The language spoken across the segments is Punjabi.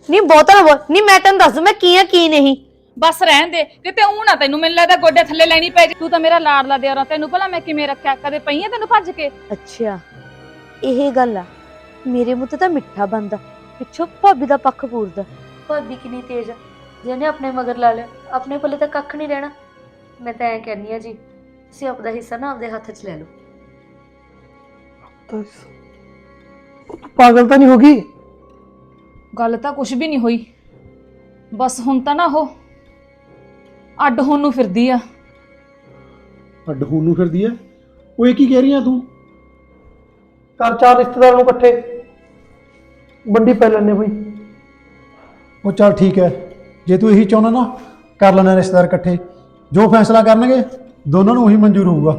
ਨਹੀਂ ਬਹੁਤਾ ਨਾ ਬੋਲ ਨਹੀਂ, ਮੈਂ ਤੈਨੂੰ ਦੱਸ ਦੂੰ ਮੈਂ ਕੀ ਆ ਕੀ ਨਹੀਂ। ਬਸ ਰਹਿਣ ਦੇ ਕਿਤੇ ਊਂ ਨਾ ਤੈਨੂੰ ਮੈਨੂੰ ਲੱਗਦਾ ਗੋਡੇ ਥੱਲੇ ਲੈਣੀ ਪੈ ਜੇ। ਤੂੰ ਤਾਂ ਮੇਰਾ ਲਾਡਲਾ ਦਿਓਰਾ, ਤੈਨੂੰ ਭਲਾ ਮੈਂ ਕਿਵੇਂ ਰੱਖਿਆ? ਕਦੇ ਪਈ ਆ ਤੈਨੂੰ ਭੱਜ ਕੇ? ਅੱਛਾ ਇਹ ਗੱਲ ਆ, ਮੇਰੇ ਮੂੰਹ ਤੇ ਤਾਂ ਮਿੱਠਾ ਬੰਦਾ, ਪਿੱਛੋਂ ਭਾਬੀ ਦਾ ਪੱਖ ਪੂਰਦਾ। ਭਾਬੀ ਕਿੰਨੀ ਤੇਜ਼ ਆ, ਜਿਹਨੇ ਆਪਣੇ ਮਗਰ ਲਾ ਲਿਆ ਆਪਣੇ ਕੋਲੇ ਤਾਂ ਕੱਖ ਨਹੀਂ ਰਹਿਣਾ। ਮੈਂ ਤਾਂ ਐਂ ਕਹਿੰਦੀ ਆ ਜੀ, ਤੁਸੀਂ ਆਪਦਾ ਹਿੱਸਾ ਨਾ ਆਪਦੇ ਹੱਥ 'ਚ ਲੈ ਲਓ। ਤੂੰ ਪਾਗਲ ਤਾਂ ਨਹੀਂ ਹੋ ਗਈ? ਗੱਲ ਤਾਂ ਕੁਝ ਵੀ ਨਹੀਂ ਹੋਈ, ਬਸ ਹੁਣ ਤਾਂ ਨਾ ਉਹ ਅੱਡ ਹੋਣ ਨੂੰ ਫਿਰਦੀ ਆ। ਅੱਡ ਹੋਣ ਨੂੰ ਫਿਰਦੀ ਐ? ਉਹ ਇਹ ਕੀ ਕਹਿ ਰਹੀ ਆ ਤੂੰ? ਕਰ ਚਾਰ ਰਿਸ਼ਤੇਦਾਰ ਨੂੰ ਇਕੱਠੇ ਵੰਡੀ ਪੈ ਲੈਣੇ ਬਈ। ਉਹ ਚੱਲ ਠੀਕ ਹੈ, ਜੇ ਤੂੰ ਇਹੀ ਚਾਹੁੰਦਾ ਨਾ ਕਰ ਲੈਣਾ ਰਿਸ਼ਤੇਦਾਰ ਇਕੱਠੇ, ਜੋ ਫੈਸਲਾ ਕਰਨਗੇ ਦੋਨਾਂ ਨੂੰ ਉਹੀ ਮਨਜ਼ੂਰ ਹੋਊਗਾ।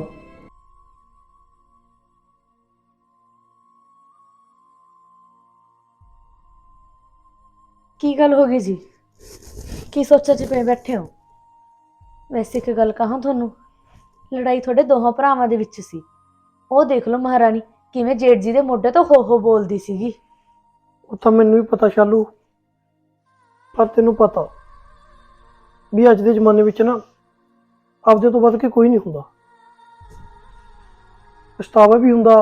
ਕੀ ਗੱਲ ਹੋ ਗਈ ਜੀ? ਕੀ ਸੋਚਾਂ 'ਚ ਪਏ ਬੈਠੇ ਹੋ? ਵੈਸੇ ਇੱਕ ਗੱਲ ਕਹਾਂ ਤੁਹਾਨੂੰ, ਲੜਾਈ ਤੁਹਾਡੇ ਦੋਹਾਂ ਭਰਾਵਾਂ ਦੇ ਵਿੱਚ ਸੀ। ਉਹ ਦੇਖ ਲਓ ਮਹਾਰਾਣੀ ਕਿਵੇਂ ਜੇਠ ਜੀ ਦੇ ਮੋਢੇ ਤੋਂ ਹੋ ਹੋ ਬੋਲਦੀ ਸੀਗੀ। ਉਹ ਤਾਂ ਮੈਨੂੰ ਵੀ ਪਤਾ ਸ਼ਾਲੂ, ਪਰ ਤੈਨੂੰ ਪਤਾ ਵੀ ਅੱਜ ਦੇ ਜ਼ਮਾਨੇ ਵਿੱਚ ਨਾ ਆਪਦੇ ਤੋਂ ਵੱਧ ਕੇ ਕੋਈ ਨਹੀਂ ਹੁੰਦਾ। ਪਛਤਾਵਾ ਵੀ ਹੁੰਦਾ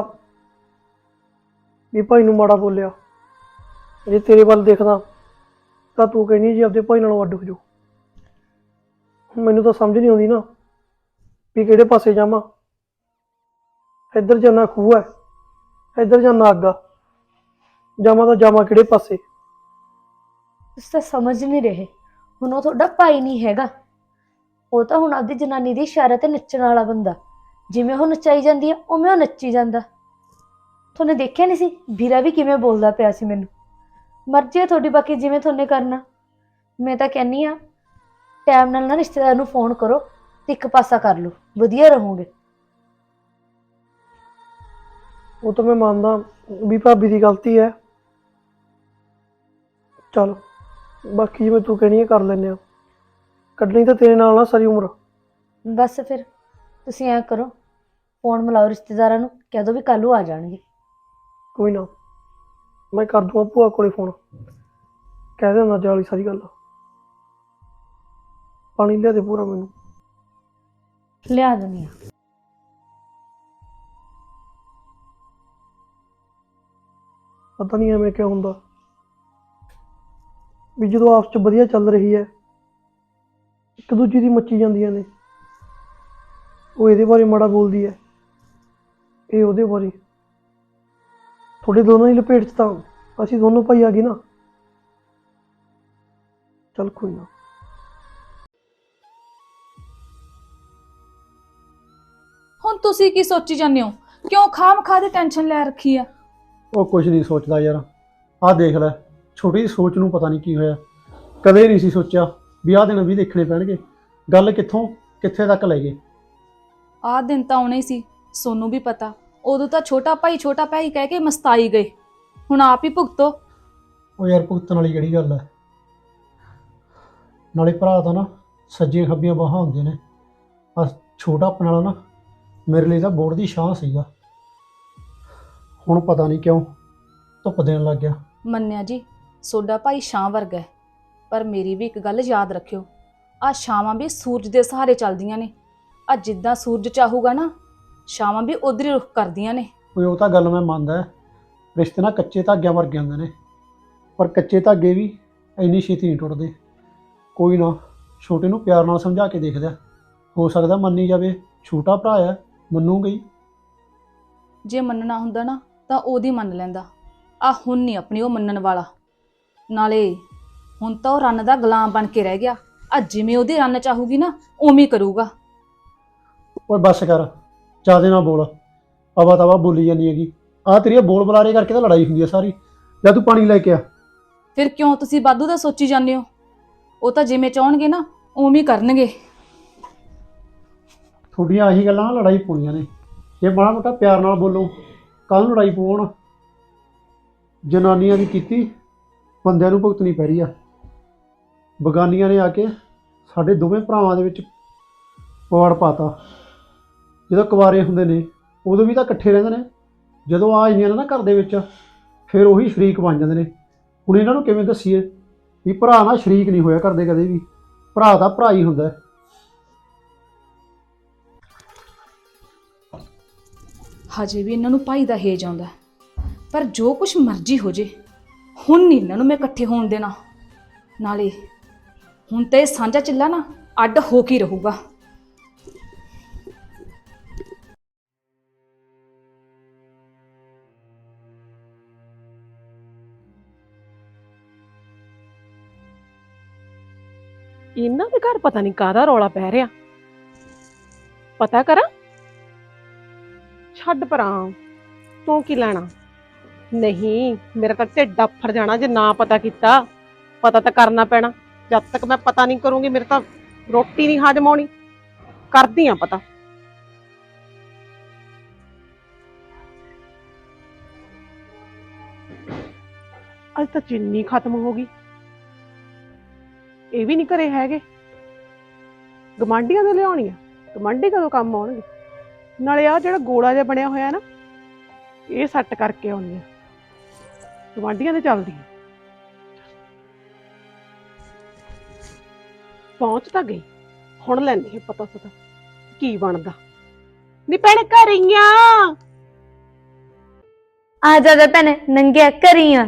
ਵੀ ਭਾਈ ਨੂੰ ਮਾੜਾ ਬੋਲਿਆ। ਜੇ ਤੇਰੇ ਵੱਲ ਦੇਖਦਾ ਤਾਂ ਤੂੰ ਕਹਿੰਦੀ ਜੀ ਆਪਦੇ ਭਾਈ ਨਾਲੋਂ ਅੱਡ ਹੋ ਜਾਓ। ਮੈਨੂੰ ਤਾਂ ਸਮਝ ਨਹੀਂ ਆਉਂਦੀ ਨਾ ਵੀ ਕਿਹੜੇ ਪਾਸੇ ਜਾਵਾਂ। ਇੱਧਰ ਜਾਣਾ ਖੂਹ ਹੈ, ਇੱਧਰ ਜਾਣਾ ਅੱਗ ਆ, ਜਾਵਾਂ ਤਾਂ ਜਾਵਾਂ ਕਿਹੜੇ ਪਾਸੇ? ਤੁਸੀਂ ਤਾਂ ਸਮਝ ਨਹੀਂ ਰਹੇ। ਹੁਣ ਉਹ ਤੁਹਾਡਾ ਭਾਈ ਨਹੀਂ ਹੈਗਾ, ਉਹ ਤਾਂ ਹੁਣ ਆਪਦੀ ਜਨਾਨੀ ਦੀ ਇਸ਼ਾਰੇ ਤੇ ਨੱਚਣ ਵਾਲਾ ਬੰਦਾ। ਜਿਵੇਂ ਉਹ ਨੱਚਾਈ ਜਾਂਦੀ ਹੈ ਉਵੇਂ ਉਹ ਨੱਚੀ ਜਾਂਦਾ। ਤੁਹਾਨੂੰ ਦੇਖਿਆ ਨਹੀਂ ਸੀ ਵੀਰਾ ਵੀ ਕਿਵੇਂ ਬੋਲਦਾ ਪਿਆ ਸੀ ਮੈਨੂੰ? ਮਰਜ਼ੀ ਹੈ ਤੁਹਾਡੀ, ਬਾਕੀ ਜਿਵੇਂ ਤੁਹਾਨੇ ਕਰਨਾ। ਮੈਂ ਤਾਂ ਕਹਿੰਦੀ ਆ ਟਾਈਮ ਨਾਲ ਨਾ ਰਿਸ਼ਤੇਦਾਰ ਨੂੰ ਫੋਨ ਕਰੋ ਤੇ ਇੱਕ ਪਾਸਾ ਕਰ ਲਓ, ਵਧੀਆ ਰਹੋਗੇ। ਉਹ ਤਾਂ ਮੈਂ ਮੰਨਦਾ ਵੀ ਭਾਬੀ ਦੀ ਗਲਤੀ ਹੈ। ਚਲ ਬਾਕੀ ਜਿਵੇਂ ਤੂੰ ਕਹਿਣੀ ਹੈ ਕਰ ਲੈਂਦੇ ਆ। ਕੱਢਣੀ ਤਾਂ ਤੇਰੇ ਨਾਲ ਨਾ ਸਾਰੀ ਉਮਰ। ਬਸ ਫਿਰ ਤੁਸੀਂ ਐਂ ਕਰੋ, ਫੋਨ ਮਿਲਾਓ ਰਿਸ਼ਤੇਦਾਰਾਂ ਨੂੰ, ਕਹਿ ਦਿਓ ਵੀ ਕੱਲ੍ਹ ਨੂੰ ਆ ਜਾਣਗੇ। ਕੋਈ ਨਾ, ਮੈਂ ਕਰ ਦੂੰਗਾ ਭੂਆ ਕੋਲੇ ਫੋਨ, ਕਹਿ ਦਿੰਦਾ ਜਾਲੀ ਸਾਰੀ ਗੱਲ। ਪਾਣੀ ਲਿਆ ਦੇ ਪੂਰਾ ਮੈਨੂੰ। ਲਿਆ ਦਿੰਦੀ ਹਾਂ। ਪਤਾ ਨਹੀਂ ਐਵੇਂ ਕਿਉਂ ਹੁੰਦਾ ਵੀ ਜਦੋਂ ਆਪਸ 'ਚ ਵਧੀਆ ਚੱਲ ਰਹੀ ਹੈ ਇੱਕ ਦੂਜੀ ਦੀ ਮੱਚੀ ਜਾਂਦੀਆਂ ਨੇ। ਉਹ ਇਹਦੇ ਬਾਰੇ ਮਾੜਾ ਬੋਲਦੀ ਹੈ, ਇਹ ਉਹਦੇ ਬਾਰੇ। ਤੁਹਾਡੇ ਦੋਨਾਂ ਦੀ ਲਪੇਟ 'ਚ ਤਾਂ ਅਸੀਂ ਦੋਨੋਂ ਭਾਈ ਆ ਗਏ ਨਾ। ਚੱਲ ਕੋਈ ਨਾ। ਹੁਣ ਤੁਸੀਂ ਕੀ ਸੋਚੀ ਜਾਂਦੇ ਹੋ? ਕਿਉਂ ਖਾਮ-ਖਾ ਦੀ ਟੈਨਸ਼ਨ ਲੈ ਰੱਖੀ ਆ? ਉਹ ਕੁਝ ਨਹੀਂ ਸੋਚਦਾ ਯਾਰ, ਆਹ ਦੇਖ ਲੈ, ਛੋਟੀ ਜਿਹੀ ਸੋਚ ਨੂੰ ਪਤਾ ਨਹੀਂ ਕੀ ਹੋਇਆ। ਕਦੇ ਨਹੀਂ ਸੀ ਸੋਚਿਆ ਵੀ ਆਹ ਦਿਨ ਵੀ ਦੇਖਣੇ ਪੈਣਗੇ। ਗੱਲ ਕਿੱਥੋਂ ਕਿੱਥੇ ਤੱਕ ਲੈ ਗਏ। ਆਹ ਦਿਨ ਤਾਂ ਆਉਣੇ ਹੀ ਸੀ, ਸੋਨੂੰ ਵੀ ਪਤਾ। ਉਦੋਂ ਤਾਂ ਛੋਟਾ ਭਾਈ ਕਹਿ ਕੇ ਮਸਤਾਈ ਗਏ, ਹੁਣ ਆਪ ਹੀ ਭੁਗਤੋ। ਉਹ ਯਾਰ ਭੁਗਤਣ ਵਾਲੀ ਕਿਹੜੀ ਗੱਲ ਹੈ? ਨਾਲੇ ਭਰਾ ਤਾਂ ਨਾ ਸੱਜੀਆਂ ਖੱਬੀਆਂ ਬਾਹਾਂ ਹੁੰਦੇ ਨੇ। ਆ ਛੋਟਾ ਆਪਣੇ ਵਾਲਾ ਨਾ ਮੇਰੇ ਲਈ ਤਾਂ ਬੋਰਡ ਦੀ ਛਾਂ ਸੀਗਾ। ਹੁਣ ਪਤਾ ਨਹੀਂ ਕਿਉਂ ਧੁੱਪ ਦੇਣ ਲੱਗ ਗਿਆ। ਮੰਨਿਆ ਜੀ, ਸੋਡਾ ਭਾਈ ਛਾਂ ਵਰਗਾ ਹੈ, ਪਰ ਮੇਰੀ ਵੀ ਇੱਕ ਗੱਲ ਯਾਦ ਰੱਖਿਓ, ਆਹ ਛਾਵਾਂ ਵੀ ਸੂਰਜ ਦੇ ਸਹਾਰੇ ਚੱਲਦੀਆਂ ਨੇ। ਆ ਜਿੱਦਾਂ ਸੂਰਜ ਚਾਹੂਗਾ ਨਾ, ਛਾਵਾਂ ਵੀ ਉਧਰ ਹੀ ਰੁਖ ਕਰਦੀਆਂ ਨੇ। ਕੋਈ ਉਹ ਤਾਂ ਗੱਲ ਮੈਂ ਮੰਨਦਾ, ਰਿਸ਼ਤੇ ਨਾ ਕੱਚੇ ਧਾਗਿਆਂ ਵਰਗੇ ਹੁੰਦੇ ਨੇ, ਪਰ ਕੱਚੇ ਧਾਗੇ ਵੀ ਇੰਨੀ ਛੇਤੀ ਨਹੀਂ ਟੁੱਟਦੇ। ਕੋਈ ਨਾ, ਛੋਟੇ ਨੂੰ ਪਿਆਰ ਨਾਲ ਸਮਝਾ ਕੇ ਦੇਖਦਾ, ਹੋ ਸਕਦਾ ਮੰਨੀ ਜਾਵੇ। ਛੋਟਾ ਭਰਾ ਹੈ, ਮੰਨੂਗਾ ਹੀ। ਜੇ ਮੰਨਣਾ ਹੁੰਦਾ ਨਾ ਤਾਂ ਉਹਦੀ ਮੰਨ ਲੈਂਦਾ। ਆ ਹੁਣ ਨਹੀਂ ਆਪਣੀ ਉਹ ਮੰਨਣ ਵਾਲਾ। ਨਾਲੇ ਹੁਣ ਤਾਂ ਉਹ ਰੰਨ ਦਾ ਗੁਲਾਮ ਬਣ ਕੇ ਰਹਿ ਗਿਆ। ਆ ਜਿਵੇਂ ਉਹਦੀ ਰੰਨ ਚਾਹੂਗੀ ਨਾ ਉਵੇਂ ਹੀ ਕਰੂਗਾ। ਓਏ ਬੱਸ ਕਰ, ਜ਼ਿਆਦਾ ਨਾ ਬੋਲ, ਆਵਾ ਤਾਵਾ ਬੋਲੀ ਜਾਂਦੀ ਹੈਗੀ। ਆਹ ਤੇਰੀਆਂ ਬੋਲ ਬੁਲਾਰੇ ਕਰਕੇ ਤਾਂ ਲੜਾਈ ਹੁੰਦੀ ਹੈ ਸਾਰੀ। ਜਾਂ ਤੂੰ ਪਾਣੀ ਲੈ ਕੇ ਆ। ਫਿਰ ਕਿਉਂ ਤੁਸੀਂ ਵਾਧੂ ਦਾ ਸੋਚੀ ਜਾਂਦੇ ਹੋ? ਉਹ ਤਾਂ ਜਿਵੇਂ ਚਾਹਣਗੇ ਨਾ ਉਵੇਂ ਹੀ ਕਰਨਗੇ। ਤੁਹਾਡੀਆਂ ਆਹੀ ਗੱਲਾਂ ਨਾਲ ਲੜਾਈ ਪਾਉਣੀਆਂ ਨੇ। ਜੇ ਮਾੜਾ ਮੋਟਾ ਪਿਆਰ ਨਾਲ ਬੋਲੋ, ਕੱਲ੍ਹ ਨੂੰ ਲੜਾਈ ਪਾਉਣ। ਜਨਾਨੀਆਂ ਦੀ ਕੀਤੀ ਬੰਦਿਆਂ ਨੂੰ ਭੁਗਤਣੀ ਪੈ ਰਹੀ ਆ। ਬਗਾਨੀਆਂ ਨੇ ਆ ਕੇ ਸਾਡੇ ਦੋਵੇਂ ਭਰਾਵਾਂ ਦੇ ਵਿੱਚ ਪਵਾੜ ਪਾਤਾ। ਜਦੋਂ ਕੁਆਰੇ ਹੁੰਦੇ ਨੇ ਉਦੋਂ ਵੀ ਤਾਂ ਇਕੱਠੇ ਰਹਿੰਦੇ ਨੇ, ਜਦੋਂ ਆ ਜਾਂਦੀਆਂ ਨੇ ਨਾ ਘਰ ਦੇ ਵਿੱਚ ਫਿਰ ਉਹੀ ਸ਼ਰੀਕ ਬਣ ਜਾਂਦੇ ਨੇ। ਹੁਣ ਇਹਨਾਂ ਨੂੰ ਕਿਵੇਂ ਦੱਸੀਏ ਵੀ ਭਰਾ ਨਾਲ ਸ਼ਰੀਕ ਨਹੀਂ ਹੋਇਆ ਕਰਦੇ ਕਦੇ ਵੀ। ਭਰਾ ਤਾਂ ਭਰਾ ਹੀ ਹੁੰਦਾ ਹੈ। ਹਜੇ ਵੀ ਇਹਨਾਂ ਨੂੰ ਭਾਈ ਦਾ ਹੇਜ ਆਉਂਦਾ ਹੈ। ਪਰ ਜੋ ਕੁਛ ਮਰਜ਼ੀ ਹੋ ਜੇ, ਹੁਣ ਨਹੀਂ ਇਹਨਾਂ ਨੂੰ ਮੈਂ ਇਕੱਠੇ ਹੋਣ ਦੇਣਾ। ਨਾਲੇ ਹੁਣ ਤੇ ਇਹ ਸਾਂਝਾ ਚਿੱਲਾ ਨਾ ਅੱਡ ਹੋ ਕੇ ਹੀ ਰਹੂਗਾ। ਇਹਨਾਂ ਦੇ ਘਰ ਪਤਾ ਨਹੀਂ ਕਾਹਦਾ ਰੌਲਾ ਪੈ ਰਿਹਾ। ਪਤਾ ਕਰਾਂ। ਛੱਡ ਪਰਾਂ, ਤੂੰ ਕੀ ਲੈਣਾ। ਨਹੀਂ, ਮੇਰਾ ਤਾਂ ਢਿੱਡ ਆਫਰ ਜਾਣਾ ਜੇ ਨਾ ਪਤਾ ਕੀਤਾ। ਪਤਾ ਤਾਂ ਕਰਨਾ ਪੈਣਾ। ਜਦ ਤੱਕ ਮੈਂ ਪਤਾ ਨਹੀਂ ਕਰੂੰਗੀ ਮੇਰੇ ਤਾਂ ਰੋਟੀ ਨਹੀਂ ਹਜਮ ਆਉਣੀ। ਕਰਦੀ ਆ ਪਤਾ। ਅੱਜ ਤਾਂ ਚੀਨੀ ਖਤਮ ਹੋ ਗਈ। ਇਹ ਵੀ ਨਹੀਂ ਘਰੇ ਹੈਗੇ। ਗਮਾਂਡੀਆਂ ਤੋਂ ਲਿਆਉਣੀ ਆ। ਗਮਾਂਡੀ ਕਦੋਂ ਕੰਮ ਆਉਣਗੇ। ਨਾਲੇ ਆ ਜਿਹੜਾ ਗੋਲਾ ਜਿਹਾ ਬਣਿਆ ਹੋਇਆ ਨਾ, ਇਹ ਸੈੱਟ ਕਰਕੇ ਆਉਣੀ ਆ। ਗਮਾਂਡੀਆਂ ਤੇ ਚੱਲਦੀ ਆ। ਪਹੁੰਚ ਤਾਂ ਗਈ। ਹੁਣ ਲੈਂਦੀ ਆ ਪਤਾ ਕੀ ਬਣਦਾ। ਨੀ ਭੈਣੇ ਘਰੀਆਂ ਆ ਜਾ ਭੈਣੇ, ਨੰਗਿਆ ਕਰੀਆਂ।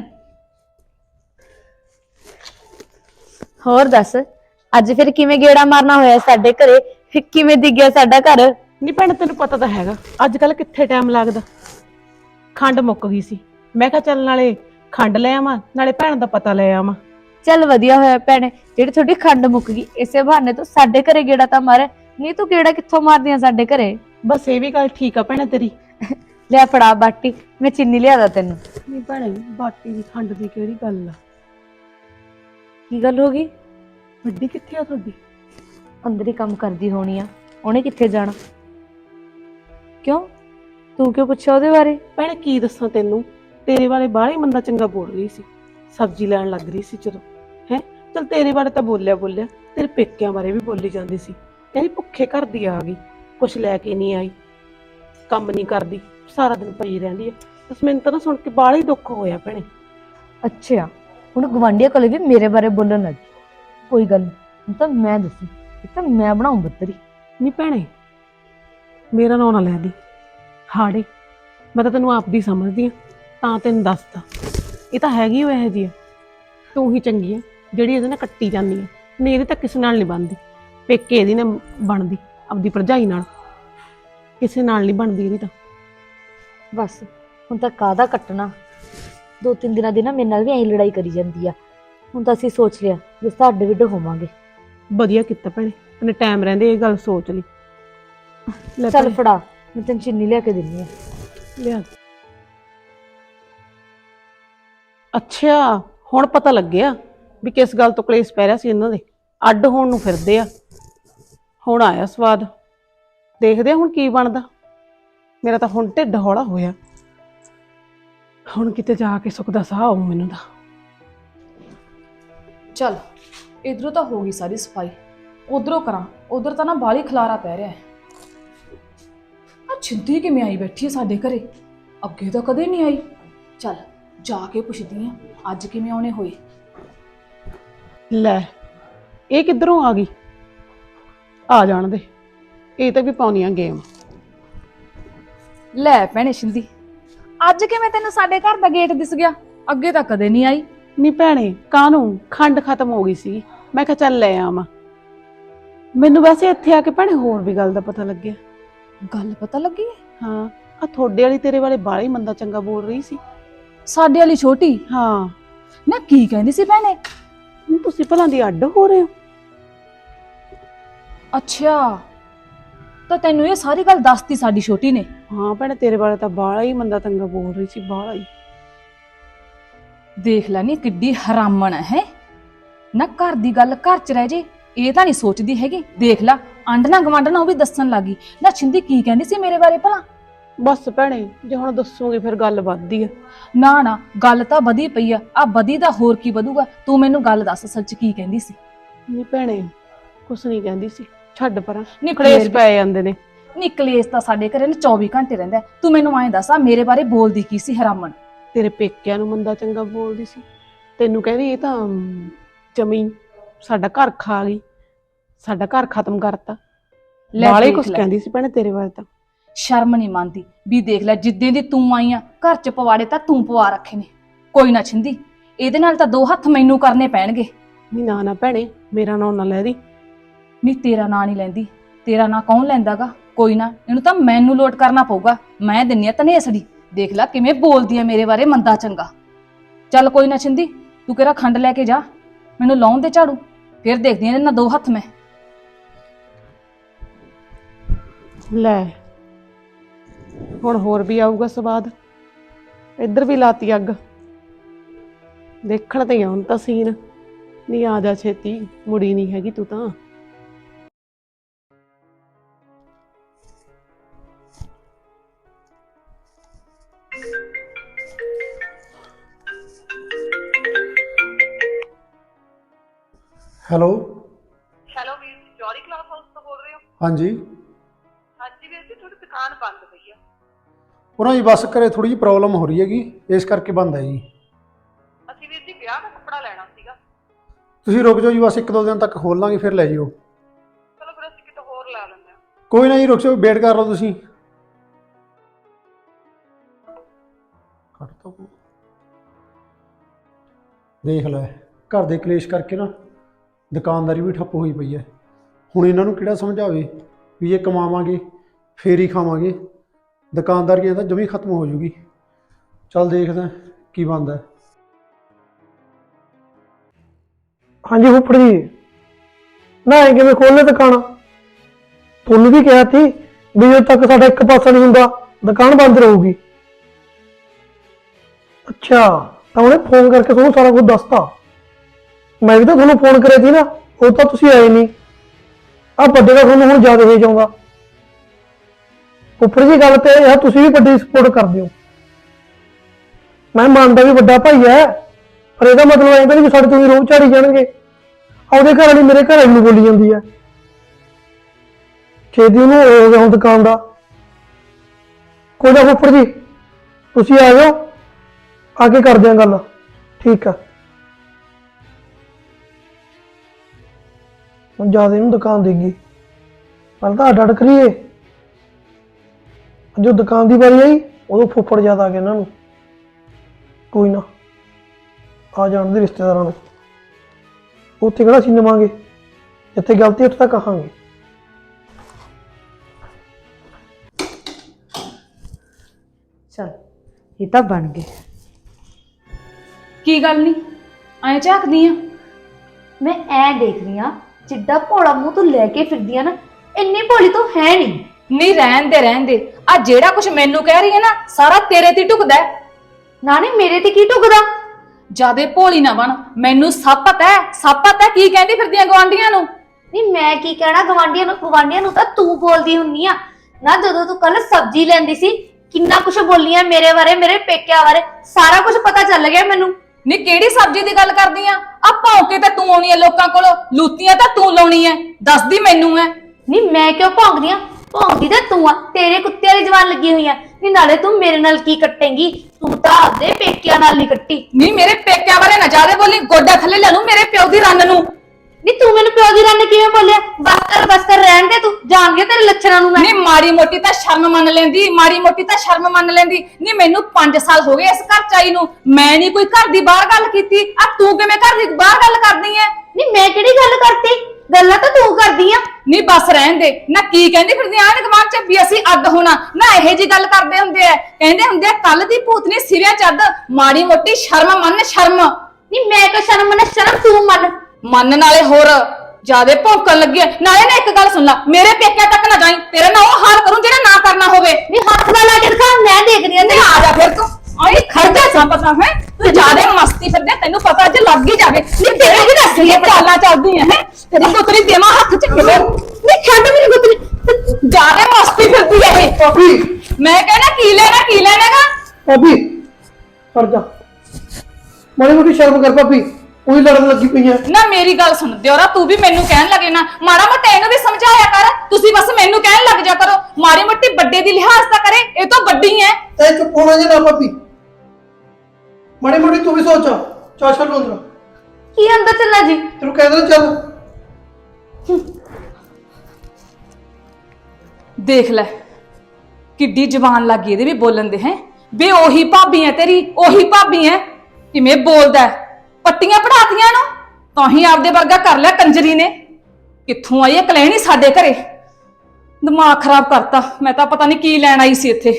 ਹੋਰ ਦੱਸ, ਅੱਜ ਫਿਰ ਕਿਵੇਂ ਗੇੜਾ ਮਾਰਨਾ ਹੋਇਆ ਸਾਡੇ ਘਰੇ? ਫਿਰ ਕਿਵੇਂ ਦਿਖਿਆ ਸਾਡਾ ਘਰ? ਨੀ ਭੈਣੇ ਤੈਨੂੰ ਪਤਾ ਤਾਂ ਹੈਗਾ ਅੱਜ ਕੱਲ ਕਿੱਥੇ ਟਾਈਮ ਲੱਗਦਾ। ਖੰਡ ਮੁੱਕ ਗਈ ਸੀ। ਮੈਂ ਕਿਹਾ ਚੱਲ ਨਾਲੇ ਖੰਡ ਲੈ ਆਵਾਂ, ਨਾਲੇ ਭੈਣ ਦਾ ਪਤਾ ਲੈ ਆਵਾਂ। ਚੱਲ ਵਧੀਆ ਹੋਇਆ ਭੈਣੇ, ਜਿਹੜੀ ਤੁਹਾਡੀ ਖੰਡ ਮੁੱਕ ਗਈ। ਇਸੇ ਬਹਾਨੇ ਤੂੰ ਸਾਡੇ ਘਰੇ ਗੇੜਾ ਤਾਂ ਮਾਰੇ, ਨਹੀਂ ਤੂੰ ਗੇੜਾ ਕਿੱਥੋਂ ਮਾਰਦੀਆਂ ਸਾਡੇ ਘਰੇ? ਬਸ ਇਹ ਵੀ ਗੱਲ ਠੀਕ ਆ ਭੈਣੇ ਤੇਰੀ। ਲਿਆ ਫੜਾ ਬਾਟੀ, ਮੈਂ ਚੀਨੀ ਲਿਆਦਾ ਤੈਨੂੰ। ਨੀ ਭੈਣੇ ਬਾਟੀ ਦੀ ਖੰਡ ਦੀ ਕਿਹੜੀ ਗੱਲ ਆ। ਕੀ ਗੱਲ ਹੋ ਗਈ? ਵੱਡੀ ਕਿੱਥੇ ਆ ਤੁਹਾਡੀ? ਅੰਦਰ ਹੀ ਕੰਮ ਕਰਦੀ ਹੋਣੀ ਆ, ਉਹਨੇ ਕਿੱਥੇ ਜਾਣਾ? ਕਿਉਂ, ਤੂੰ ਕਿਉਂ ਪੁੱਛਿਆ ਉਹਦੇ ਬਾਰੇ? ਭੈਣੇ ਕੀ ਦੱਸਾਂ ਤੈਨੂੰ, ਤੇਰੇ ਬਾਰੇ ਬਾਹਲਾ ਹੀ ਮੰਦਾ ਚੰਗਾ ਬੋਲ ਰਹੀ ਸੀ। ਸਬਜ਼ੀ ਲੈਣ ਲੱਗ ਰਹੀ ਸੀ ਜਦੋਂ। ਹੈ ਚਲ ਤੇਰੇ ਬਾਰੇ ਤਾਂ ਬੋਲਿਆ, ਤੇਰੇ ਪੇਕਿਆਂ ਬਾਰੇ ਵੀ ਬੋਲੀ ਜਾਂਦੀ ਸੀ। ਕਹਿੰਦੀ ਭੁੱਖੇ ਘਰ ਦੀ ਆ ਗਈ, ਕੁਛ ਲੈ ਕੇ ਨਹੀਂ ਆਈ, ਕੰਮ ਨਹੀਂ ਕਰਦੀ, ਸਾਰਾ ਦਿਨ ਪਈ ਰਹਿੰਦੀ ਹੈ। ਬਸ ਮੈਨੂੰ ਤਾਂ ਨਾ ਸੁਣ ਕੇ ਬਾਹਲਾ ਹੀ ਦੁੱਖ ਹੋਇਆ ਭੈਣੇ। ਅੱਛਾ, ਹੁਣ ਗਵਾਂਢੀਆਂ ਕੋਲੇ ਵੀ ਮੇਰੇ ਬਾਰੇ ਬੋਲਣ ਲੱਗੀ। ਕੋਈ ਗੱਲ ਨਹੀਂ, ਹੁਣ ਤਾਂ ਮੈਂ ਦੱਸੂ, ਇਹ ਤਾਂ ਮੈਂ ਬਣਾਉਂ ਬੱਤਰੀ। ਨਹੀਂ ਭੈਣੇ ਮੇਰਾ ਨਾਂ ਨਾ ਲੈ ਦੀ ਹਾੜੇ। ਮੈਂ ਤਾਂ ਤੈਨੂੰ ਆਪਦੀ ਸਮਝਦੀ ਆ, ਤਾਂ ਤੈਨੂੰ ਦੱਸਦਾ। ਇਹ ਤਾਂ ਹੈਗੀ ਉਹ ਇਹੋ ਜਿਹੀ ਆ। ਤੂੰ ਹੀ ਚੰਗੀ ਆ ਜਿਹੜੀ ਇਹਦੇ ਨਾਲ ਕੱਟੀ ਜਾਂਦੀ ਆ। ਨਹੀਂ ਇਹਦੀ ਤਾਂ ਕਿਸੇ ਨਾਲ ਨਹੀਂ ਬਣਦੀ। ਪੇਕੇ ਇਹਦੀ ਨਾਲ ਬਣਦੀ, ਆਪਦੀ ਭਰਜਾਈ ਨਾਲ। ਕਿਸੇ ਨਾਲ ਨਹੀਂ ਬਣਦੀ ਇਹਦੀ ਤਾਂ। ਬਸ ਹੁਣ ਤਾਂ ਕਾਹਦਾ ਕੱਟਣਾ। 2-3 ਦਿਨਾਂ ਦੀ ਨਾ ਮੇਰੇ ਨਾਲ ਵੀ ਐਂ ਲੜਾਈ ਕਰੀ ਜਾਂਦੀ ਆ। ਹੁਣ ਤਾਂ ਅਸੀਂ ਸੋਚ ਲਿਆ ਵੀ ਸਾਡੇ ਵਿੱਢ ਹੋਵਾਂਗੇ। ਵਧੀਆ ਕੀਤਾ ਭੈਣੇ, ਤੈਨੂੰ ਟਾਈਮ ਰਹਿੰਦੇ ਇਹ ਗੱਲ ਸੋਚ ਲਈ। ਲੈ ਚੱਲ ਭੈਣੇ, ਫੜਾ, ਮੈਂ ਤੈਨੂੰ ਚੀਨੀ ਲਿਆ ਕੇ ਦਿੰਦੀ ਆ। ਲਿਆ। ਅੱਛਾ ਹੁਣ ਪਤਾ ਲੱਗਿਆ ਵੀ ਕਿਸ ਗੱਲ ਤੋਂ ਕਲੇਸ਼ ਪੈ ਰਿਹਾ ਸੀ ਇਹਨਾਂ ਦੇ। ਅੱਡ ਹੋਣ ਨੂੰ ਫਿਰਦੇ ਆ। ਹੁਣ ਆਇਆ ਸਵਾਦ। ਦੇਖਦੇ ਆ ਹੁਣ ਕੀ ਬਣਦਾ। ਮੇਰਾ ਤਾਂ ਹੁਣ ਢਿੱਡ ਹੌਲਾ ਹੋਇਆ। ਹੁਣ ਕਿਤੇ ਜਾ ਕੇ ਸੁੱਖ ਦਾ ਸਾਹ ਆਊ ਮੈਨੂੰ ਤਾਂ। ਚੱਲ ਇਧਰੋਂ ਤਾਂ ਹੋ ਗਈ ਸਾਰੀ ਸਫਾਈ, ਉਧਰੋਂ ਕਰਾਂ। ਉਧਰ ਤਾਂ ਨਾ ਬਾਹਲੀ ਖਲਾਰਾ ਪੈ ਰਿਹਾ ਹੈ। ਆ ਛਿੰਦੀ ਕਿਵੇਂ ਆਈ ਬੈਠੀ ਹੈ ਸਾਡੇ ਘਰੇ? ਅੱਗੇ ਤਾਂ ਕਦੇ ਨਹੀਂ ਆਈ। ਚੱਲ ਜਾ ਕੇ ਪੁੱਛਦੀ ਆ ਅੱਜ ਕਿਵੇਂ ਆਉਣੇ ਹੋਏ। ਲੈ ਇਹ ਕਿੱਧਰੋਂ ਆ ਗਈ? ਆ ਜਾਣ ਦੇ, ਇਹ ਤਾਂ ਵੀ ਪਾਉਣੀ ਆ ਗੇਮ। ਲੈ ਭੈਣੇ ਛਿੰਦੀ, ਅੱਜ ਕਿਵੇਂ ਤੈਨੂੰ ਸਾਡੇ ਘਰ ਦਾ ਗੇਟ ਦਿਸ ਗਿਆ? ਅੱਗੇ ਤਾਂ ਕਦੇ ਨਹੀਂ ਆਈ। ਨੀ ਭੈਣੇ ਕਾਹਨੂੰ, ਖੰਡ ਖਤਮ ਹੋ ਗਈ ਸੀ। ਮੈਂ ਕਿਹਾ ਚੱਲ ਲੈ ਆਵਾਂ। ਮੈਨੂੰ ਵੈਸੇ ਇੱਥੇ ਆ ਕੇ ਭੈਣੇ ਹੋਰ ਵੀ ਗੱਲ ਦਾ ਪਤਾ ਲੱਗਿਆ। ਗੱਲ ਪਤਾ ਲੱਗੀ? ਹਾਂ ਆ ਤੁਹਾਡੇ ਵਾਲੀ ਤੇਰੇ ਵਾਲੇ ਬਾਹਲਾ ਹੀ ਮੰਦਾ ਚੰਗਾ ਬੋਲ ਰਹੀ ਸੀ। ਸਾਡੇ ਵਾਲੀ ਛੋਟੀ ਹਾਂ ਨਾ ਕੀ ਕਹਿੰਦੀ ਸੀ ਭੈਣੇ? ਹੁਣ ਤੁਸੀਂ ਭਲਾਂ ਦੀ ਅੱਡ ਹੋ ਰਹੇ ਹੋ? ਅੱਛਾ, ਤਾਂ ਤੈਨੂੰ ਇਹ ਸਾਰੀ ਗੱਲ ਦੱਸਤੀ ਸਾਡੀ ਛੋਟੀ ਨੇ? ਹਾਂ ਭੈਣੇ ਤੇਰੇ ਬਾਰੇ ਤਾਂ ਬਾਹਲਾ ਹੀ ਮੰਦਾ ਚੰਗਾ ਬੋਲ ਰਹੀ ਸੀ, ਬਾਹਲਾ ਹੀ। ਦੇਖ ਲੈ ਨੀ ਕਿੱਡੀ ਹਰਾਮਣ ਹੈ। ਨਾ ਘਰ ਦੀ ਗੱਲ ਘਰ ਚ ਰਹਿ ਜੇ, ਇਹ ਤਾਂ ਨਹੀਂ ਸੋਚਦੀ ਹੈਗੀ। ਦੇਖ ਲੈ ਆਂਡਣਾ ਗਵਾਂਡਣਾ ਉਹ ਵੀ ਦੱਸਣ ਲੱਗੀ। ਨਾ ਛਿੰਦੀ ਕੀ ਕਹਿੰਦੀ ਸੀ ਮੇਰੇ ਬਾਰੇ ਭਲਾ? ਬਸ ਭੈਣੇ ਜੇ ਹੁਣ ਦੱਸੂਗੀ ਫਿਰ ਗੱਲ ਵੱਧਦੀ ਆ। ਨਾ ਨਾ ਗੱਲ ਤਾਂ ਵਧੀ ਪਈ ਆ ਵਧੀ ਦਾ ਹੋਰ ਕੀ ਵਧੂਗਾ। ਤੂੰ ਮੈਨੂੰ ਗੱਲ ਦੱਸ ਸੱਚ ਕੀ ਕਹਿੰਦੀ ਸੀ? ਨਹੀਂ ਭੈਣੇ ਕੁਛ ਨਹੀਂ ਕਹਿੰਦੀ ਸੀ, ਛੱਡ ਪਰਾਂ। ਨੀ ਕਲੇਸ਼ ਪੈ ਜਾਂਦੇ ਨੇ। ਨੀ ਕਲੇਸ਼ ਤਾਂ ਸਾਡੇ ਘਰੇ ਨੇ 24 ਘੰਟੇ ਰਹਿੰਦਾ। ਤੂੰ ਮੈਨੂੰ ਐਂ ਦੱਸ ਆ ਮੇਰੇ ਬਾਰੇ ਬੋਲਦੀ ਕੀ ਸੀ ਹਰਾਮਣ? ਤੇਰੇ ਪੇਕਿਆਂ ਨੂੰ ਮੰਦਾ ਚੰਗਾ ਬੋਲਦੀ ਸੀ। ਤੈਨੂੰ ਕਹਿੰਦੀ ਇਹ ਤਾਂ ਜਮੀ ਸਾਡਾ ਘਰ ਖਾ ਗਈ, ਸਾਡਾ ਘਰ ਖਤਮ ਕਰਤਾ। ਲੈ ਬਾਲੇ ਦੇਖ ਕੁਛ ਲੈ। ਕਹਿੰਦੀ ਸੀ ਭੈਣੇ ਤੇਰੇ ਬਾਰੇ ਤਾਂ। ਸ਼ਰਮ ਨਹੀਂ ਮੰਨਦੀ ਵੀ ਦੇਖ ਲੈ ਜਿੱਦੇ ਦੀ ਤੂੰ ਆਈ ਆ ਘਰ ਚ ਪਵਾੜੇ ਤਾਂ ਤੂੰ ਪਵਾ ਰੱਖੇ ਨੇ। ਕੋਈ ਨਾ ਛਿੰਦੀ, ਇਹਦੇ ਨਾਲ ਤਾਂ 2 ਹੱਥ ਮੈਨੂੰ ਕਰਨੇ ਪੈਣਗੇ। ਨਹੀਂ ਨਾ ਨਾ ਭੈਣੇ, ਮੇਰਾ ਨਾਂ ਨਾ ਲੈ ਦੀ। ਨਹੀਂ ਤੇਰਾ ਨਾਂ ਨਹੀਂ ਲੈਂਦੀ, ਤੇਰਾ ਨਾਂ ਕੌਣ ਲੈਂਦਾਗਾ? ਕੋਈ ਨਾ, ਇਹਨੂੰ ਤਾਂ ਮੈਨੂੰ ਲੋਟ ਕਰਨਾ ਪਊਗਾ। ਮੈਂ ਦਿੰਨੀ ਆ ਧਨੇਸੜੀ, ਦੇਖ ਲੈ ਕਿਵੇਂ ਬੋਲਦੀ ਆ ਮੇਰੇ ਬਾਰੇ ਮੰਦਾ ਚੰਗਾ। ਚੱਲ ਕੋਈ ਨਾ ਛਿੰਦੀ, ਤੂੰ ਕਿਹੜਾ ਖੰਡ ਲੈ ਕੇ ਜਾ, ਮੈਨੂੰ ਲਾਉਣ ਦੇ ਝਾੜੂ, ਫਿਰ ਦੇਖਦੀ ਆ ਇਹਦੇ ਨਾਲ 2 ਹੱਥ ਮੈਂ। ਲੈ ਹੁਣ ਹੋਰ ਵੀ ਆਊਗਾ ਸਵਾਦ। ਇੱਧਰ ਵੀ ਲਾਤੀ ਅੱਗ, ਦੇਖਣ ਤੇ ਹੀ ਆ ਹੁਣ ਤਾਂ ਸੀਨ। ਨਹੀਂ ਆ ਜਾ ਛੇਤੀ, ਮੁੜੀ ਨਹੀਂ ਹੈਗੀ ਤੂੰ ਤਾਂ। ਹੈਲੋ। ਹੈਲੋ ਵੀਰ ਜੀ, ਜੌਹਰੀ ਕਲਾਸ ਹਾਊਸ ਤੋਂ ਬੋਲ ਰਹੇ ਹੋ? ਹਾਂਜੀ। ਹਾਂਜੀ ਵੀਰ ਜੀ, ਤੁਹਾਡੀ ਦੁਕਾਨ ਬੰਦ ਪਈ ਆ। ਉਹਨਾਂ ਜੀ ਬਸ ਘਰੇ ਥੋੜੀ ਜਿਹੀ ਪ੍ਰੋਬਲਮ ਹੋ ਰਹੀ ਹੈਗੀ, ਇਸ ਕਰਕੇ ਬੰਦ ਹੈ ਜੀ। ਅਸੀਂ ਵੀਰ ਜੀ ਵਿਆਹ ਦਾ ਕੱਪੜਾ ਲੈਣਾ ਸੀਗਾ। ਤੁਸੀਂ ਰੁਕ ਜਾਓ ਜੀ, ਬਸ 1-2 ਦਿਨ ਤੱਕ ਖੋਲ ਲਾਂਗੇ, ਫਿਰ ਲੈ ਜਿਓ। ਚਲੋ ਫਿਰ ਅਸੀਂ ਕਿਤੇ ਹੋਰ ਲੈ ਲੈਂਦੇ ਹਾਂ। ਕੋਈ ਨਾ ਜੀ, ਰੁਕ ਜਾਓ, ਵੇਟ ਕਰ ਲਓ ਤੁਸੀਂ। ਕੱਟ ਦੋ। ਦੇਖ ਲੈ, ਘਰ ਦੇ ਕਲੇਸ਼ ਕਰਕੇ ਨਾ ਦੁਕਾਨਦਾਰੀ ਵੀ ਠੱਪ ਹੋਈ ਪਈ ਹੈ। ਹੁਣ ਇਹਨਾਂ ਨੂੰ ਕਿਹੜਾ ਸਮਝਾਵੇ ਵੀ ਜੇ ਕਮਾਵਾਂਗੇ ਫੇਰ ਹੀ ਖਾਵਾਂਗੇ, ਦੁਕਾਨਦਾਰੀਆਂ ਤਾਂ ਜਮੀ ਖਤਮ ਹੋ ਜੂਗੀ। ਚੱਲ ਦੇਖਦਾ ਕੀ ਬਣਦਾ। ਹਾਂਜੀ ਫੁੱਫੜ ਜੀ, ਨਾ ਐ ਕਿਵੇਂ ਖੋਲ੍ਹੇ ਦੁਕਾਨ? ਤੁਹਾਨੂੰ ਵੀ ਕਿਹਾ ਸੀ ਵੀ ਜਦੋਂ ਤੱਕ ਸਾਡਾ ਇੱਕ ਪਾਸਾ ਨਹੀਂ ਹੁੰਦਾ ਦੁਕਾਨ ਬੰਦ ਰਹੂਗੀ। ਅੱਛਾ, ਤਾਂ ਉਹਨੇ ਫੋਨ ਕਰਕੇ ਤੁਹਾਨੂੰ ਸਾਰਾ ਕੁਝ ਦੱਸਤਾ। ਮੈਂ ਵੀ ਤਾਂ ਤੁਹਾਨੂੰ ਫੋਨ ਕਰਿਆ ਸੀ ਨਾ, ਉਹ ਤਾਂ ਤੁਸੀਂ ਆਏ ਨਹੀਂ। ਆਹ ਵੱਡੇ ਦਾ ਤੁਹਾਨੂੰ ਹੁਣ ਜ਼ਿਆਦਾ ਹੋ ਜਾਊਗਾ। ਫੁੱਫੜ ਜੀ ਗੱਲ ਤੇ ਇਹ ਆ, ਤੁਸੀਂ ਵੀ ਵੱਡੀ ਸਪੋਰਟ ਕਰਦੇ ਹੋ। ਮੈਂ ਮੰਨਦਾ ਵੀ ਵੱਡਾ ਭਾਈ ਹੈ, ਪਰ ਇਹਦਾ ਮਤਲਬ ਇਹ ਤਾਂ ਨਹੀਂ ਵੀ ਸਾਡੇ ਤੋਂ ਵੀ ਰੋਹ ਝਾੜੀ ਜਾਣਗੇ। ਉਹਦੇ ਘਰ ਵਾਲੀ ਮੇਰੇ ਘਰ ਵਾਲੀ ਨੂੰ ਬੋਲੀ ਜਾਂਦੀ ਹੈ। ਛੇਤੀ ਉਹਨੂੰ ਹੋ ਗਿਆ ਹੁਣ ਦੁਕਾਨ ਦਾ। ਕੋਈ ਨਾ ਫੁੱਫੜ ਜੀ, ਤੁਸੀਂ ਆ ਜਾਓ, ਆ ਕੇ ਕਰਦੇ ਹਾਂ ਗੱਲ। ਠੀਕ ਆ। ਹੁਣ ਜਿਆਦਾ ਇਹਨੂੰ ਦੁਕਾਨ ਦੇਗੀ, ਪਹਿਲਾਂ ਤਾਂ ਅੱਡ ਕਰੀਏ। ਜੋ ਦੁਕਾਨ ਦੀ ਵਾਰੀ ਆਈ ਉਦੋਂ ਫੁੱਫੜ ਜ਼ਿਆਦਾ ਆ ਗਿਆ ਇਹਨਾਂ ਨੂੰ। ਕੋਈ ਨਾ, ਆ ਜਾਣ ਦੇ ਰਿਸ਼ਤੇਦਾਰਾਂ ਨੂੰ, ਉੱਥੇ ਕਿਹੜਾ ਛਿੰਨਵਾਂਗੇ, ਜਿੱਥੇ ਗਲਤੀ ਉੱਥੇ ਤਾਂ ਕਹਾਂਗੇ। ਚਲ ਇਹ ਤਾਂ ਬਣ ਗਏ। ਕੀ ਗੱਲ ਨਹੀਂ ਐਂ ਝਾਕਦੀ ਆ? ਮੈਂ ਐ ਦੇਖਦੀ ਆ, ਜਿੱਡਾ ਭੋਲਾ ਮੂੰਹ ਤੂੰ ਲੈ ਕੇ ਫਿਰਦੀ ਆ ਨਾ, ਇੰਨੀ ਭੋਲੀ ਤੂੰ ਹੈ ਨਹੀਂ। ਨਹੀਂ ਰਹਿਣ ਦੇ, ਆ ਜਿਹੜਾ ਕੁਝ ਮੈਨੂੰ ਕਹਿ ਰਹੀ ਹੈ ਨਾ ਸਾਰਾ ਤੇਰੇ ਤੇ ਢੁਕਦਾ ਹੈ। ਨਾ ਨਹੀਂ, ਮੇਰੇ ਤੇ ਕੀ ਢੁਕਦਾ? ਜਿਆਦੇ ਭੋਲੀ ਨਾ ਬਣ, ਮੈਨੂੰ ਸਭ ਪਤਾ ਹੈ ਕੀ ਕਹਿੰਦੀ ਫਿਰਦੀਆਂ ਗਵਾਂਢੀਆਂ ਨੂੰ। ਨਹੀਂ ਮੈਂ ਕੀ ਕਹਿਣਾ ਗਵਾਂਢੀਆਂ ਨੂੰ ਤਾਂ ਤੂੰ ਬੋਲਦੀ ਹੁੰਨੀ ਆ ਨਾ। ਜਦੋਂ ਤੂੰ ਕੱਲ ਸਬਜ਼ੀ ਲੈਂਦੀ ਸੀ ਕਿੰਨਾ ਕੁਝ ਬੋਲੀਆਂ ਮੇਰੇ ਬਾਰੇ, ਮੇਰੇ ਪੇਕਿਆਂ ਬਾਰੇ, ਸਾਰਾ ਕੁਝ ਪਤਾ ਚੱਲ ਗਿਆ ਮੈਨੂੰ। ਨੀ ਕਿਹੜੀ ਸਬਜ਼ੀ ਦੀ ਗੱਲ ਕਰਦੀ ਆ? ਭੌਂਕੇ ਤਾਂ ਤੂੰ ਆਉਣੀ ਐ ਲੋਕਾਂ ਕੋਲ, ਲੂਤੀਆਂ ਤਾਂ ਤੂੰ ਲਾਉਣੀ ਐ, ਦੱਸਦੀ ਮੈਨੂੰ ਐ। ਨਹੀਂ ਮੈਂ ਕਿਉਂ ਭੌਂਕਦੀ ਆ? ਭੌਂਕਦੀ ਤਾਂ ਤੂੰ ਆ, ਤੇਰੇ ਕੁੱਤੇ ਵਾਲੀ ਜਵਾਨ ਲੱਗੀ ਹੋਈ ਆ। ਨਹੀਂ ਨਾਲੇ ਤੂੰ ਮੇਰੇ ਨਾਲ ਕੀ ਕੱਟੇਂਗੀ? ਤੂੰ ਤਾਂ ਆਪਦੇ ਪੇਕਿਆਂ ਨਾਲ ਨਹੀਂ ਕੱਟੀ। ਨੀ ਮੇਰੇ ਪੇਕਿਆਂ ਬਾਰੇ ਨਾ ਜ਼ਿਆਦਾ ਬੋਲੀ, ਗੋਡਾ ਥੱਲੇ ਲੈ ਲੂੰ ਮੇਰੇ ਪਿਓ ਦੀ ਰੰਨ ਨੂੰ। ਨਹੀਂ ਤੂੰ ਮੈਨੂੰ ਪਿਓ ਦੀ ਰੰਨ ਕਿਵੇਂ ਬੋਲਿਆ? ਬਸ ਕਰ ਰਹਿਣ ਦੇ, ਤੂੰ ਜਾਣ ਗਿਆ ਤੇਰੇ ਲੱਛਣਾਂ ਨੂੰ ਮੈਂ। ਨੀ ਮਾੜੀ ਮੋਟੀ ਤਾਂ ਸ਼ਰਮ ਮੰਨ ਲੈਂਦੀ। ਨੀ ਮੈਨੂੰ 5 ਸਾਲ ਹੋ ਗਏ ਇਸ ਘਰ ਚ ਆਈ ਨੂੰ, ਮੈਂ ਨਹੀਂ ਕੋਈ ਘਰ ਦੀ ਬਾਹਰ ਗੱਲ ਕੀਤੀ। ਆ ਤੂੰ ਕਿਵੇਂ ਘਰ ਦੀ ਬਾਹਰ ਗੱਲ ਕਰਦੀ ਐ? ਨਹੀਂ ਮੈਂ ਕਿਹੜੀ ਗੱਲ ਕਰਤੀ? ਗੱਲਾਂ ਤਾਂ ਤੂੰ ਕਰਦੀ ਆ। ਨੀ ਬਸ ਰਹਿਣ ਦੇ ਨਾ। ਕੀ ਕਹਿੰਦੀ ਫਿਰਦੀ ਆਣ ਗਵਾਂਢ ਚ ਵੀ ਅਸੀਂ ਅੱਡ ਹੋਣਾ ਨਾ? ਇਹੋ ਜੀ ਗੱਲ ਕਰਦੇ ਹੁੰਦੇ ਆ, ਕਹਿੰਦੇ ਹੁੰਦੇ ਆ ਕੱਲ ਦੀ ਭੂਤਨੀ ਸਿਰਿਆਂ ਚ ਅੱਧ। ਮਾੜੀ ਮੋਟੀ ਸ਼ਰਮ ਮੰਨ, ਸ਼ਰਮ। ਨਹੀਂ ਮੈਂ ਕਿਉਂ ਸ਼ਰਮ ਤੂੰ ਮੰਨ ਨਾਲੇ ਹੋਰ ਜਿਆਦੇ ਭੌਂਕਣ ਲੱਗੀ ਐ। ਨਾਲੇ ਨਾ ਇੱਕ ਗੱਲ ਸੁਣ ਲੈ, ਮੇਰੇ ਪੇਕਿਆਂ ਤੱਕ ਨਾ ਜਾਈਂ, ਤੇਰਾ ਨਾ ਉਹ ਹਾਲ ਕਰੂੰ ਜਿਹੜਾ ਨਾ ਕਰਨਾ ਹੋਵੇ। ਨਹੀਂ ਹੱਥ ਨਾਲ ਲਾ ਕੇ ਦਿਖਾ, ਮੈਂ ਦੇਖਦੀ ਆ। ਨਹੀਂ ਆ ਜਾ ਫਿਰ ਤੂੰ, ਆਈ ਖਰਚਾ ਸਾ ਪਤਾ ਹੈ ਤੂੰ ਜਿਆਦੇ ਮਸਤੀ ਫਿਰਦੇ, ਤੈਨੂੰ ਪਤਾ ਅੱਜ ਲੱਗ ਹੀ ਜਾਵੇ। ਨਹੀਂ ਤੇਰੇ ਵੀ ਦੱਸ ਇਹ ਚਾਲਾਂ ਚੱਲਦੀ ਐ ਤੇਰੀ ਪੁੱਤਰੀ ਦੇਵਾਂ ਹੱਥ ਚ ਕਿਵੇਂ? ਨਹੀਂ ਛੱਡ ਮੇਰੀ ਪੁੱਤਰੀ, ਜਿਆਦੇ ਮਸਤੀ ਫਿਰਦੀ ਐ ਇਹ। ਭਾਬੀ ਮੈਂ ਕਹਿੰਦਾ ਕੀ ਲੈਣਾਗਾ? ਭਾਬੀ ਕਰ ਜਾ, ਮਾੜੀ ਮੋਟੀ ਸ਼ਰਮ ਕਰ ਭਾਬੀ, ਉਹੀ ਲੜਨ ਲੱਗੀ ਪਈ ਹੈ। ਨਾ ਮੇਰੀ ਗੱਲ ਸੁਣ ਦਿਓਰਾ, ਤੂੰ ਵੀ ਮੈਨੂੰ ਕਹਿਣ ਲੱਗੇ ਨਾ, ਮਾੜਾ ਮੋਟਾ ਇਹਨੂੰ ਵੀ ਸਮਝਾਇਆ ਕਰ। ਤੁਸੀਂ ਬਸ ਮੈਨੂੰ ਕਹਿਣ ਲੱਗ ਜਾ ਕਰੋ। ਮਾੜੀ ਮੋਟੀ ਵੱਡੇ ਦੀ ਲਿਹਾਜ਼ ਤਾਂ ਕਰੇ, ਇਹ ਤਾਂ ਵੱਡੀ ਐ। ਤੇ ਚੁੱਪ ਹੋਣਾ ਜੇ ਨਾ ਭਾਬੀ, ਮਾੜੀ ਮੋਟੀ ਤੂੰ ਵੀ ਸੋਚ। ਚਾਚਾ ਨੂੰ ਅੰਦਰ ਕੀ ਅੰਦਰ ਚੱਲਣਾ ਜੀ? ਤੈਨੂੰ ਕਹਿ ਦਿੰਦਾ ਚੱਲ। ਦੇਖ ਲੈ ਕਿੱਡੀ ਜ਼ਬਾਨ ਲੱਗੀ ਇਹਦੇ ਵੀ ਬੋਲਣ ਦੇ ਹੈ ਬੇ ਉਹੀ ਭਾਬੀ ਹੈ ਤੇਰੀ ਉਹੀ ਭਾਬੀ ਹੈ ਕਿਵੇਂ ਬੋਲਦਾ ਹੈ? ਪੱਟੀਆਂ ਪੜਾਤੀਆਂ ਨੂੰ ਤਾਂ ਹੀ ਆਪਦੇ ਵਰਗਾ ਕਰ ਲਿਆ ਕੰਜਰੀ ਨੇ। ਕਿੱਥੋਂ ਆਈ ਹੈ ਕਲੈਣੀ ਸਾਡੇ ਘਰੇ? ਦਿਮਾਗ ਖਰਾਬ ਕਰਤਾ। ਮੈਂ ਤਾਂ ਪਤਾ ਨਹੀਂ ਕੀ ਲੈਣ ਆਈ ਸੀ ਇੱਥੇ।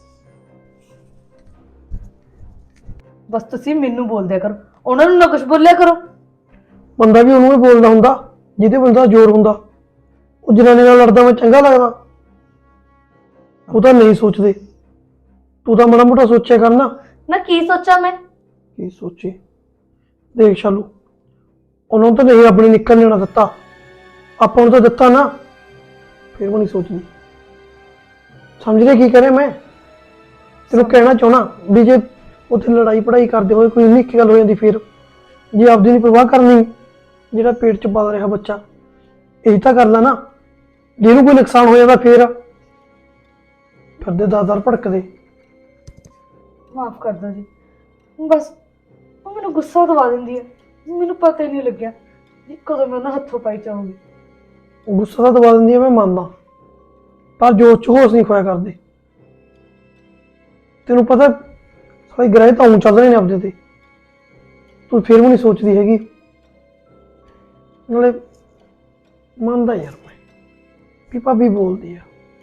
ਬਸ ਤੁਸੀਂ ਮੈਨੂੰ ਬੋਲਦਿਆ ਕਰੋ, ਉਹਨਾਂ ਨੂੰ ਨਾ ਕੁਝ ਬੋਲਿਆ ਕਰੋ। ਬੰਦਾ ਵੀ ਉਹਨੂੰ ਹੀ ਬੋਲਦਾ ਹੁੰਦਾ ਜਿਹਦੇ ਬੰਦਾ ਜ਼ੋਰ ਹੁੰਦਾ। ਉਹ ਜਨਾਨੀ ਨਾਲ ਲੜਦਾ ਮੈਂ ਚੰਗਾ ਲੱਗਦਾ? ਉਹ ਤਾਂ ਨਹੀਂ ਸੋਚਦੇ। ਤੂੰ ਤਾਂ ਮਾੜਾ ਮੋਟਾ ਸੋਚਿਆ ਕਰ ਨਾ। ਨਾ ਕੀ ਸੋਚਾਂ ਮੈਂ? ਕੀ ਸੋਚੀ? ਦੇਖ ਸ਼ਾਲੂ, ਉਹਨਾਂ ਨੂੰ ਤਾਂ ਨਹੀਂ ਰੱਬ ਨੇ ਨਿਕਲ ਲੈਣਾ ਦਿੱਤਾ, ਆਪਾਂ ਨੂੰ ਤਾਂ ਦਿੱਤਾ ਨਾ, ਫਿਰ ਵੀ ਨਹੀਂ ਸੋਚਦੀ। ਸਮਝ ਰਿਹਾ ਕੀ ਕਰੇ ਮੈਂ? ਤੈਨੂੰ ਕਹਿਣਾ ਚਾਹਣਾ ਵੀ ਜੇ ਉੱਥੇ ਲੜਾਈ ਪੜਾਈ ਕਰਦੇ ਹੋਏ ਕੋਈ ਨਿੱਕੀ ਗੱਲ ਹੋ ਜਾਂਦੀ, ਫਿਰ ਜੇ ਆਪਦੀ ਨਹੀਂ ਪਰਵਾਹ ਕਰਨੀ, ਜਿਹੜਾ ਪੇਟ 'ਚ ਪਲ ਰਿਹਾ ਬੱਚਾ ਇਹੀ ਤਾਂ ਕਰ ਲਾ ਨਾ। ਜੇ ਇਹਨੂੰ ਕੋਈ ਨੁਕਸਾਨ ਹੋ ਜਾਂਦਾ ਫਿਰ ਫਿਰਦੇ ਦਾਦਰ ਭੜਕਦੇ। ਮਾਫ ਕਰ ਦਿਓ ਜੀ। ਬਸ ਉਹ ਮੈਨੂੰ ਗੁੱਸਾ ਦਵਾ ਦਿੰਦੀ ਹੈ, ਮੈਨੂੰ ਪਤਾ ਹੀ ਨਹੀਂ ਲੱਗਿਆ ਕਿ ਕਦੋਂ ਮੈਂ ਉਹਨਾਂ ਹੱਥੋਂ ਪਾਈ ਜਾਊਂਗੀ। ਗੁੱਸਾ ਤਾਂ ਦਬਾ ਦਿੰਦੀ ਆ, ਮੈਂ ਮੰਨਦਾ, ਪਰ ਜੋਸ਼ 'ਚ ਹੋਸ਼ ਨਹੀਂ ਖੋਇਆ ਕਰਦੇ। ਤੈਨੂੰ ਪਤਾ ਸਾਰੇ ਗ੍ਰਹਿ ਤਾਂ ਉਂ ਚੱਲ ਰਹੇ ਨੇ ਆਪਦੇ ਤੇ, ਤੂੰ ਫਿਰ ਵੀ ਨਹੀਂ ਸੋਚਦੀ ਹੈਗੀ। ਨਾਲੇ ਮੰਨਦਾ ਯਾਰ ਮੈਂ ਵੀ ਭਾਬੀ ਬੋਲਦੀ ਆ,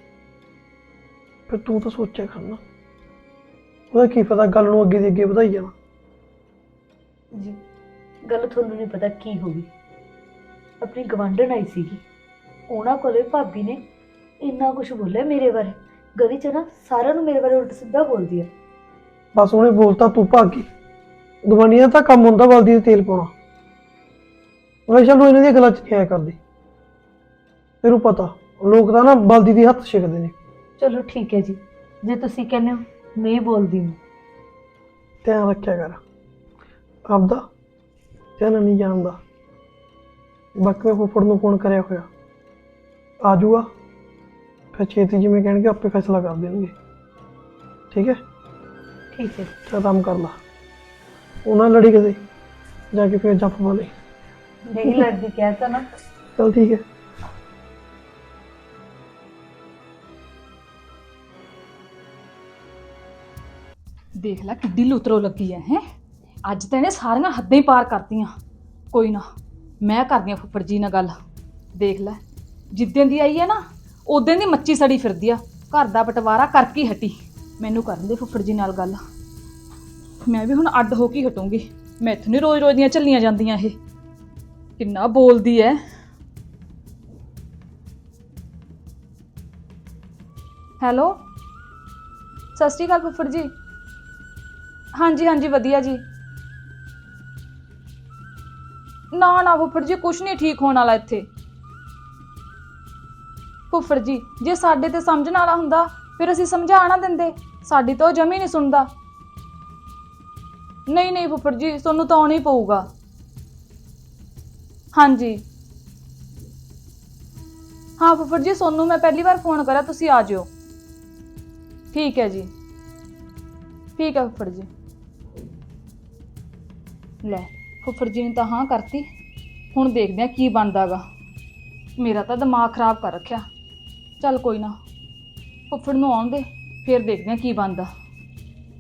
ਫਿਰ ਤੂੰ ਤਾਂ ਸੋਚਿਆ ਕਰਨਾ। ਉਹਦਾ ਕੀ ਪਤਾ ਗੱਲ ਨੂੰ ਅੱਗੇ ਦੀ ਅੱਗੇ ਵਧਾਈ ਜਾਣਾ। ਜੀ ਗੱਲ ਤੁਹਾਨੂੰ ਨਹੀਂ ਪਤਾ ਕੀ ਹੋ ਗਈ। ਆਪਣੀ ਗਵਾਂਢਣ ਆਈ ਸੀਗੀ, ਉਹਨਾਂ ਕੋਲੇ ਭਾਬੀ ਨੇ ਇੰਨਾ ਕੁਝ ਬੋਲਿਆ ਮੇਰੇ ਬਾਰੇ। ਗਲੀ 'ਚ ਨਾ ਸਾਰਿਆਂ ਨੂੰ ਮੇਰੇ ਬਾਰੇ ਉਲਟ ਸਿੱਧਾ ਬੋਲਦੀ ਹੈ। ਬਸ ਉਹਨੇ ਬੋਲਤਾ ਤੂੰ ਭਾਗੀ। ਗਵਾਂਢੀਆਂ ਦਾ ਤਾਂ ਕੰਮ ਹੁੰਦਾ ਬਲਦੀ ਦੇ ਤੇਲ ਪਾਉਣਾ। ਮੈਂ ਚਲੋ ਇਹਨਾਂ ਦੀਆਂ ਗੱਲਾਂ 'ਚ ਨਹੀਂ ਆਇਆ ਕਰਦੀ। ਤੈਨੂੰ ਪਤਾ ਲੋਕ ਤਾਂ ਨਾ ਬਲਦੀ ਦੀ ਹੱਥ ਛਿਕਦੇ ਨੇ। ਚਲੋ ਠੀਕ ਹੈ ਜੀ, ਜੇ ਤੁਸੀਂ ਕਹਿੰਦੇ ਹੋ ਨਹੀਂ ਬੋਲਦੀ ਮੈਂ। ਧਿਆਨ ਰੱਖਿਆ ਕਰ ਆਪਦਾ, ਧਿਆਨ ਨਹੀਂ ਜਾਣਦਾ। ਬਾਕੀ ਮੈਂ ਫੁੱਫੜ ਨੂੰ ਫੋਨ ਕਰਿਆ ਹੋਇਆ, ਆ ਜਾਊਗਾ, ਫਿਰ ਛੇਤੀ ਜਿਵੇਂ ਕਹਿਣਗੇ ਆਪੇ ਫੈਸਲਾ ਕਰ ਦੇਣਗੇ। ਠੀਕ ਹੈ? ਠੀਕ ਹੈ। ਚੱਲ ਕੰਮ ਕਰ ਲਾ, ਉਹਨਾਂ ਲੜੀ ਕਿਤੇ ਜਾ ਕੇ ਫਿਰ ਜੱਫ ਪਾ ਲਈ। ਨਹੀਂ ਲੜਦੀ, ਕਹਿ ਤਾ ਨਾ। ਚੱਲ ਠੀਕ ਹੈ। ਦੇਖ ਲੈ ਕਿੱਡੀ ਲੁਤਰੋ ਲੱਗੀ ਹੈ ਹੈ ਅੱਜ ਤਾਂ ਇਹਨੇ ਸਾਰੀਆਂ ਹੱਦਾਂ ਹੀ ਪਾਰ ਕਰਤੀਆਂ। ਕੋਈ ਨਾ ਮੈਂ ਕਰਦੀ ਆ ਫੁੱਫੜ ਜੀ ਨਾਲ ਗੱਲ। ਦੇਖ ਲੈ ਜਿੱਦਾਂ ਦੀ ਆਈ ਹੈ ਨਾ ਉਦੋਂ ਦੀ ਮੱਚੀ ਸੜੀ ਫਿਰਦੀ ਆ, ਘਰ ਦਾ ਬਟਵਾਰਾ ਕਰਕੇ ਹੀ ਹਟੀ। ਮੈਨੂੰ ਕਰਨ ਦੇ ਫੁੱਫੜ ਜੀ ਨਾਲ ਗੱਲ, ਮੈਂ ਵੀ ਹੁਣ ਅੱਡ ਹੋ ਕੇ ਹਟੂੰਗੀ। ਮੈਥੋਂ ਨਹੀਂ ਰੋਜ਼ ਰੋਜ਼ ਦੀਆਂ ਝੱਲੀਆਂ ਜਾਂਦੀਆਂ। ਇਹ ਕਿੰਨਾ ਬੋਲਦੀ ਹੈ। ਹੈਲੋ ਸਤਿ ਸ਼੍ਰੀ ਅਕਾਲ ਫੁੱਫੜ ਜੀ। ਹਾਂਜੀ ਹਾਂਜੀ ਵਧੀਆ ਜੀ। ਨਾ ਨਾ ਫੁੱਫੜ ਜੀ ਕੁਛ ਨਹੀਂ ਠੀਕ ਹੋਣ ਵਾਲਾ ਇੱਥੇ। ਫੁੱਫੜ ਜੀ ਜੇ ਸਾਡੇ ਤੇ ਸਮਝਣ ਵਾਲਾ ਹੁੰਦਾ ਫਿਰ ਅਸੀਂ ਸਮਝਾ ਨਾ ਦਿੰਦੇ, ਸਾਡੀ ਤਾਂ ਉਹ ਜਮੀ ਨਹੀਂ ਸੁਣਦਾ। ਨਹੀਂ ਨਹੀਂ ਫੁੱਫੜ ਜੀ ਤੁਹਾਨੂੰ ਤਾਂ ਆਉਣਾ ਹੀ ਪਊਗਾ। ਹਾਂਜੀ ਹਾਂ ਫੁੱਫੜ ਜੀ ਸੋਨੂੰ ਮੈਂ ਪਹਿਲੀ ਵਾਰ ਫੋਨ ਕਰਿਆ, ਤੁਸੀਂ ਆ ਜਿਓ। ਠੀਕ ਹੈ ਜੀ, ਠੀਕ ਹੈ ਫੁੱਫੜ ਜੀ। ਲੈ ਫੁੱਫੜ ਜੀ ਨੇ ਤਾਂ ਹਾਂ ਕਰਤੀ, ਹੁਣ ਦੇਖਦੇ ਆ ਕੀ ਬਣਦਾ ਗਾ। ਮੇਰਾ ਤਾਂ ਦਿਮਾਗ ਖਰਾਬ ਕਰ ਰੱਖਿਆ। ਚੱਲ ਕੋਈ ਨਾ ਫੁੱਫੜ ਨੂੰ ਆਉਣ ਦੇ, ਫਿਰ ਦੇਖਦੇ ਆ ਕੀ ਬਣਦਾ।